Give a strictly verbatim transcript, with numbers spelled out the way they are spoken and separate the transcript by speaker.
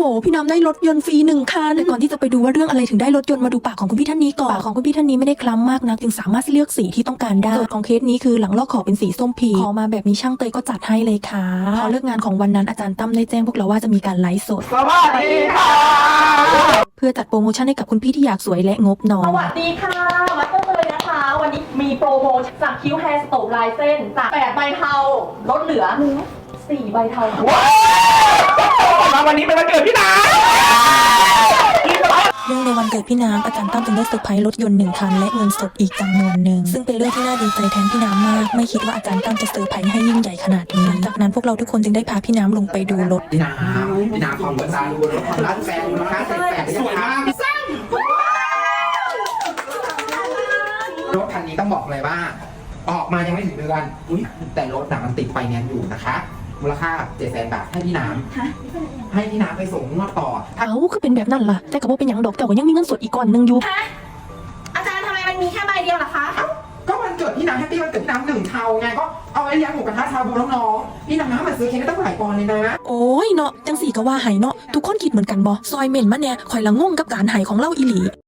Speaker 1: พี่น้ำได้รถยนต์ฟรีหนึ่งคันแต่ก่อนที่จะไปดูว่าเรื่องอะไรถึงได้รถยนต์มาดูปากของคุณพี่ท่านนี้ก่อนปากของคุณพี่ท่านนี้ไม่ได้คล้ำมากนักจึงสามารถเลือกสีที่ต้องการได้โจทย์ของเคสนี้คือหลังลอกขอเป็นสีส้มพีขอมาแบบนี้ช่างเตยก็จัดให้เลยค่ะพอเลิกงานของวันนั้นอาจารย์ตั้มได้แจ้งพวกเราว่าจะมีการไลฟ์สด
Speaker 2: สวัสดีค่ะ
Speaker 1: เพื่อจัดโปรโมชั่นให้กับคุณพี่ที่อยากสวยและงบน้อ
Speaker 3: ส
Speaker 1: ย
Speaker 3: วัสดีค่ะมาสเตอร์เตยนะคะวันนี้มีโปรโมชั่นจากคิวแฮร์สโตปลายเส้นจากแปดใบเทาลดเหลือสี่ใบเทา
Speaker 2: ว้าววันนี้เป็นวันเกิดพี่นา
Speaker 1: เรื่องในวันเกิดพี่น้ำอาจารย์ตั้มจึงได้เซอร์ไพรส์รถยนต์หนึ่งคันและเงินสดอีกจำนวนหนึ่งซึ่งเป็นเรื่องที่น่าดีใจแทนพี่น้ำมากไม่คิดว่าอาจารย์ตั้มจะเซอร์ไพรส์ให้ยิ่งใหญ่ขนาดนี้จากนั้นพวกเราทุกคนจึงได้พาพี่น้ำลงไปดูรถ
Speaker 2: พี่นาพี่นาของหัวใจดูรถความรักแฟนมูลค่าแสนแปดสวยมากพี่ซ้ำรถคันนี้ต้องบอกเลยว่าออกมายังไม่ถึงเดือนอุ้ยแต่รถหนังมันติดไฟแนนซ์อยู่นะคะมูลค่าเจ็ดแสนบาทให้พี่น้ำให้พี่น้ำไปส่งงวดต่อ
Speaker 1: เอ้าก็เป็นแบบนั้นล่ะแต่กับว่าเป็นอย่างดอกแต่ก็ยังมีเงินสดอีกก้อนหนึ่งอยู่
Speaker 3: ฮะอาจารย์ทำไมมันมีแค่ใบเดียวล่ะคะ
Speaker 2: ก็วันเกิดพี่น้ำแฮปปี้วันเกิดพี่น้ำหนึ่งเทาไงก็เอาไว้เลี้ยงหมูกระทะชาบูน้องๆพี่น้ำมันซื้อเค้กได้ตั้งหลายปอนด์เลยนะ
Speaker 1: โอ้ยเนาะจังสี่ก็ว่าไห้เนาะทุกคนคิดเหมือนกันบ่ซอยเม่นมาเนี่ยคอยละงงกับการไห้ของเล่าอีหลี